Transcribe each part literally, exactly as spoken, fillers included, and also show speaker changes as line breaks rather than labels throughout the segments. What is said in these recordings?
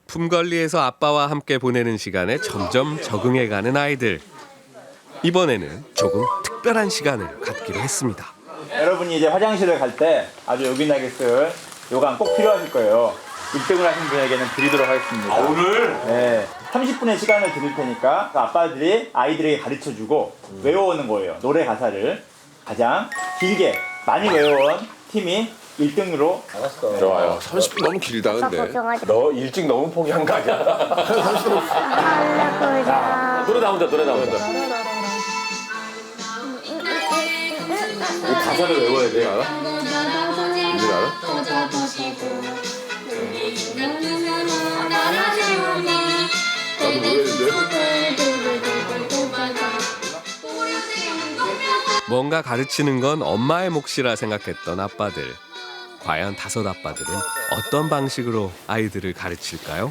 품관리에서 아빠와 함께 보내는 시간에 점점 적응해가는 아이들. 이번에는 조금 특별한 시간을 갖기로 했습니다.
여러분이 이제 화장실을 갈 때 아주 요긴하게 쓸 요강 꼭 필요하실 거예요. 일 등을 하신 분에게는 드리도록 하겠습니다.
아, 오늘?
네. 삼십 분의 시간을 드릴 테니까 아빠들이 아이들에게 가르쳐주고 음. 외워오는 거예요. 노래 가사를 가장 길게 많이 외워온 팀이 일 등으로.
알았어. 좋아요. 삼십 분 너무 길다 근데.
너 일찍 너무 포기한 거 아니야?
자,
노래 나온다 노래 나온다. 이 가사를 외워야 돼 알아?
이제 알아? 나도 모르겠는데.
뭔가 가르치는 건 엄마의 몫이라 생각했던 아빠들. 과연 다섯 아빠들은 어떤 방식으로 아이들을 가르칠까요?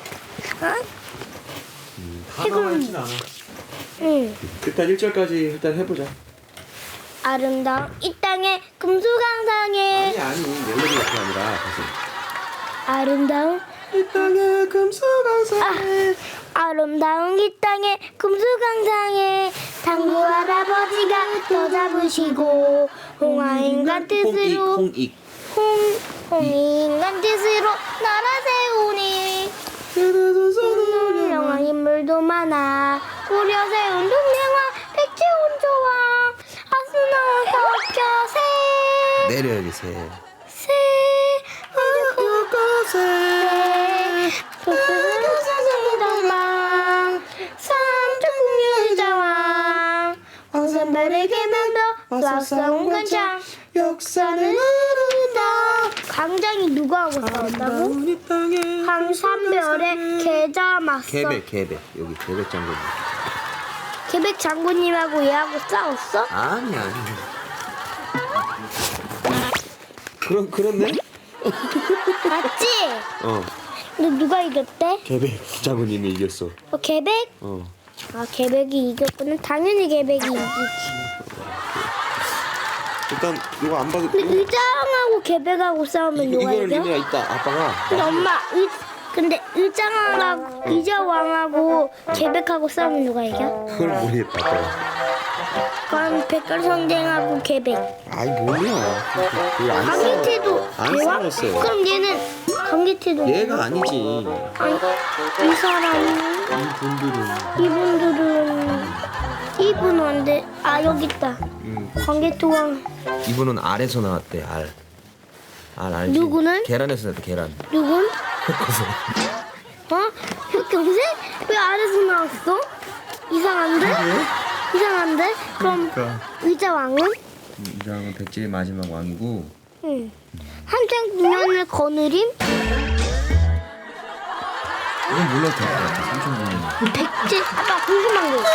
하나만 했진 않아.
응.
일단 일 절까지 일단 해보자.
아름다운 이 땅의 금수강산에
아니 아니 멜로디가 그게 아니라 가수.
아름다운
이 땅의 금수강산.
아, 아름다운 이 땅의 금수강산에 당구 할아버지가 더 잡으시고 홍아인간 뜻으로
홍익.
홍 홍인간 뜻으로 나라 세우니 훌륭한 인물도 많아 꾸려 세운 동맹화 백제온 조왕 아스나운 덕겨새
내려 여기 새.
새 새 도스사사사사방 삼천국유자왕 황산발의 개면도 쏴싸운 간장
역사는
흐른다. 강장이 누가 하고 싸웠다고?
이 땅에
황산별의 계자 맞서
개백 개백 여기 개백 장군.
계백 장군님하고 얘하고 싸웠어?
아니 아니. 그런 그렇네?
맞지?
어.
근데 누가 이겼대?
개백 장군님이 이겼어.
어, 계백?
어.
아, 계백이 이겼구나. 당연히 계백이 이기지.
일단 이거 안 봐도.
근데 의장하고 계백하고 싸우면 누가
이거를
이겨?
리미야 있다 아빠가.
근데 엄마, 의, 근데 의장하고 의자왕하고 계백하고 싸우면 누가 이겨?
그걸 모르겠다 아빠가.
그럼 백설성쟁하고 계백.
아이 뭐야. 그게 안 싸워.
강기태도
안
대왕?
싸웠어요.
그럼 얘는 강기태도
얘가 아니지.
아니, 이 사람
이분들은.
이분들은 이분은 안 돼. 아 여기 있다.
음.
강기태왕
이분은 알에서 나왔대 알. 알 알지?
누구는?
계란에서 나왔대 계란.
누군? 어? 흑경색? 왜 아래서 나왔어? 이상한데? 이상한데? 그럼
그러니까.
의자왕은?
이장은 백제의 마지막 왕이고.
응. 한창 국면을 거느림?
이건 몰라도 될 것 같아. 삼천구년.
백제 아빠 궁금한 거 있어.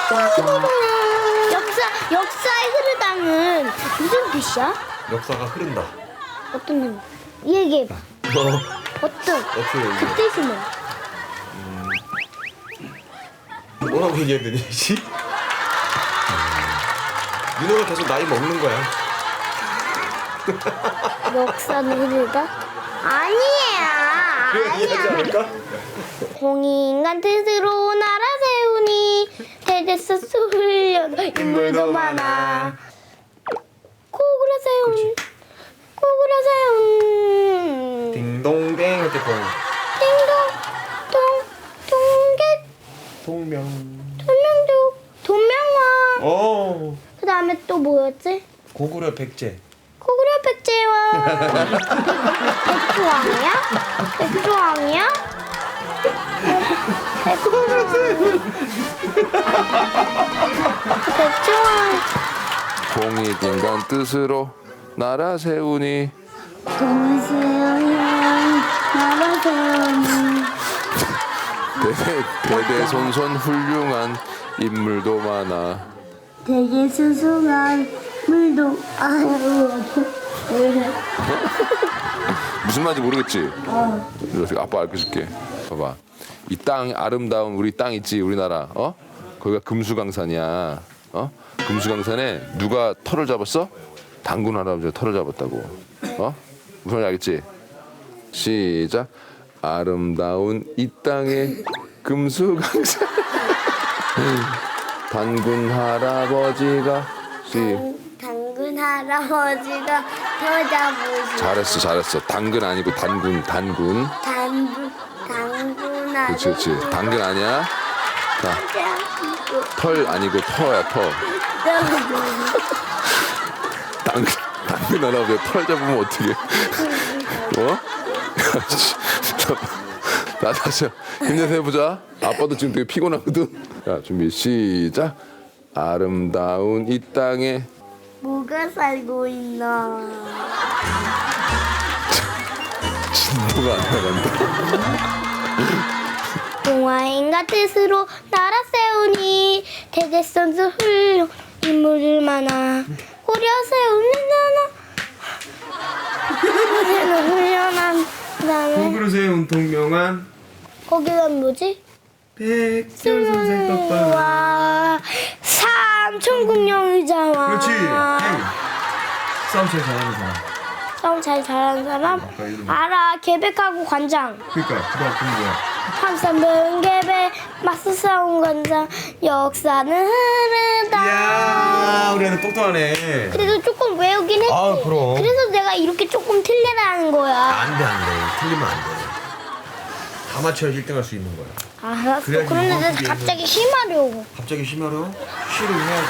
역사 역사의 흐르다는 무슨 뜻이야?
역사가 흐른다.
어떤 뜻? 얘기해봐.
뭐?
어떤?
어떻게
그
얘기해?
뜻이 뭐?
뭐라고 얘기해야 되니? 씨? 민호가 계속 나이 먹는 거야.
역사는 흐르다? 아니야.
이해하지 않을까?
홍인간 뜻으로 나라 세우니 대대서 수훈련 인물도 많아. 고구려 세운 고구려 세운
딩동댕 할 때 동.
띵동 동 동계
동명.
돈명도 돈명왕.
어.
그 다음에 또 뭐였지?
고구려 백제.
고구려 백제왕. 백조왕이야? 백조왕이야? 백조왕.
공익 인간 뜻으로 나라 세우니
동세왕 나라 세우니
대대 대대손손 훌륭한 인물도 많아.
되게 수승한 물도 아유.
무슨 말인지 모르겠지? 어. 아빠 알려줄게. 봐봐. 이 땅 아름다운 우리 땅 있지 우리나라. 어? 거기가 금수강산이야. 어? 금수강산에 누가 털을 잡았어? 당군 할아버지가 털을 잡았다고. 어? 무슨 말인지 알겠지? 시작. 아름다운 이 땅의 금수강산 단군 할아버지가 시
당근 할아버지가 더 잡으시.
잘했어 잘했어 당근 아니고 단군 단군
당근 당근
그렇지
할아버지.
그렇지 당근 아니야 자털 아니고 터야 터 당근 당근 할아버지 털 잡으면 어떻게 어? 나 다시 힘내서 해보자. 아빠도 지금 되게 피곤하거든. 자 준비 시작. 아름다운 이 땅에
뭐가 살고 있나?
진도가 안 나간다.
동화인가 뜻으로 나라 세우니 대대선수 훌륭 인물들 많아 고려 세우는 나라 훌륭한 그다음에
그릇에 운통명한
거기가 뭐지?
백설 선생 떡밥.
와 삼천국령 의자와
그렇지. 싸움 제일 잘하는 사람.
싸움 잘 잘하는 사람 알아 계백하고 관장
그러니까 그다음 그 뭐야?
함삼배운 계백 맞서 싸운 관장 역사는 흐르다
이야 우리 애는 똑똑하네.
그래도 조금 외우긴 했지.
아, 그럼.
그래서 내가 이렇게 조금 틀리라는 거야.
안돼 안돼 틀리면 안돼. 다 맞춰야지 일 등 할 수 있는 거야.
알았어.
그래야지
그런데
이번
내가
기회에는-
갑자기 심하려고.
갑자기 심하려? 쉬를 해야지.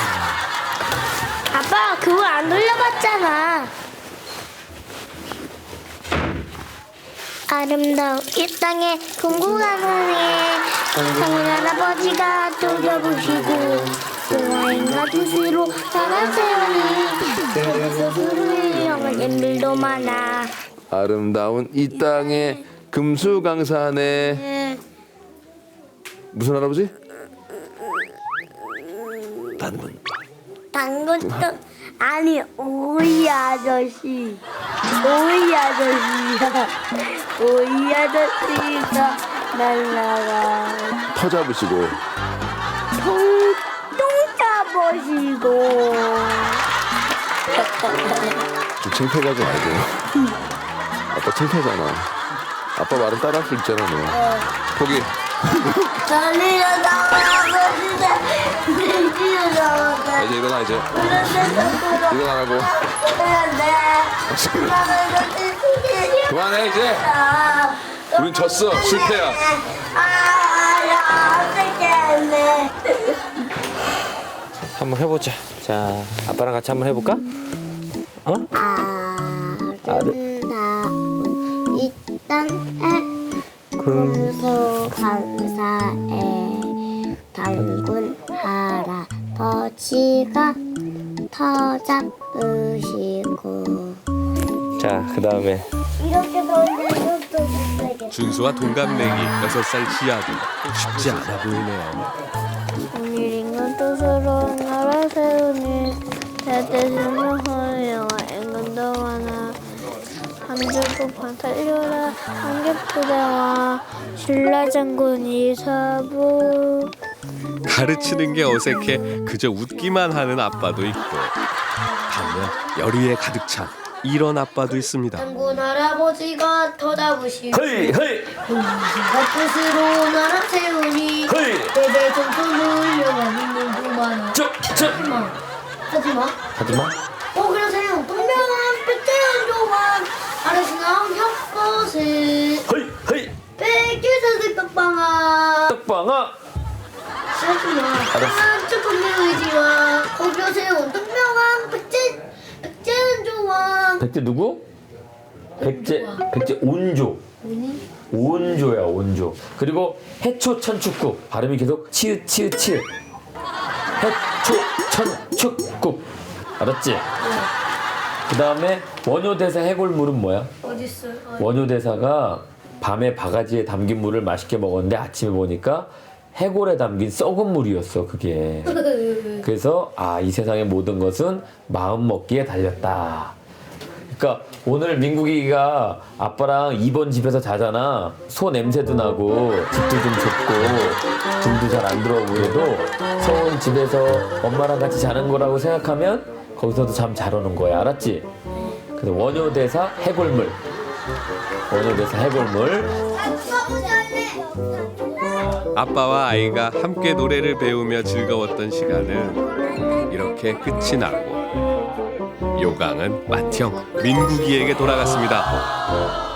아빠 그거 안 돌려봤잖아. 아름다운 이 땅에 궁금한 하늘에 당근 할아버지가 돌려보시고 동화인가 두시로 나라 세우니 그래서 훌륭한 인물도 많아.
아름다운 이 땅에 금수강산에 무슨 할아버지? 단군.
당근도 아니 오이 아저씨 오이 아저씨야 오이 아저씨가 날라가
터 잡으시고
통통 잡으시고
좀 창피하지 말고. 아빠 창피하잖아. 아빠 말은 따라할 수 있잖아 너. 포기.
달리러 나가고 진짜 달리러 나가고
이제 일어나 이제.
그런데
일어나라고.
그런데
그만해 이제. 우린 졌어. 실패야.
아, 어떡해.
한번 해보자. 자 아빠랑 같이 한번 해볼까? 어?
아름다운 이 땅에 금수 감사에 당군 할아버지가 터 잡으시고
자 그 다음에
이렇게 보면 이것도 못되겠다.
준수와 동갑내기 여섯 살 지아도 쉽지 않아 보이네요.
오늘인가 뜻으로 나라 세우니 대대신을 허여와 인근도 많아 한줄국판 달려라 한겹부대와 신라장군이 사부.
가르치는 게 어색해 그저 웃기만 하는 아빠도 있고 반면 열의에 가득 찬 이런 아빠도 있습니다.
장군 할아버지가 더 잡으시고
헤이 헤이
뜻으로 나라 세우니
헤이
대대전투를 훌륭한 인물도 많아.
쭉
하지마 하지마
하지마.
오그려 세운 동명한 백제한 조만 아르신왕 협것을
헤이 헤이
백제사슬 떡방아
떡방아.
하지마 한 조금 의지와 오그려 세운 동명한 백제 백제한 조만
백제 누구? 백제 백제 온조. 온조야 온조. 그리고 해초 천축국 발음이 계속 치읓 치읓 치읓. 해초 천축국 알았지? 그 다음에 원효대사 해골물은 뭐야?
어딨어요?
원효대사가 밤에 바가지에 담긴 물을 맛있게 먹었는데 아침에 보니까 해골에 담긴 썩은 물이었어 그게. 그래서 아 이 세상의 모든 것은 마음 먹기에 달렸다. 그러니까 오늘 민국이가 아빠랑 이번 집에서 자잖아. 소 냄새도 나고 집도 좀 좁고 등도 잘 안 들어오고 그래도 서운 집에서 엄마랑 같이 자는 거라고 생각하면 거기서도 잠 잘 오는 거야. 알았지? 그래서 원효대사 해골물 원효대사 해골물
아빠와 아이가 함께 노래를 배우며 즐거웠던 시간은 이렇게 끝이 나고 요강은 맏형 민국이에게 돌아갔습니다.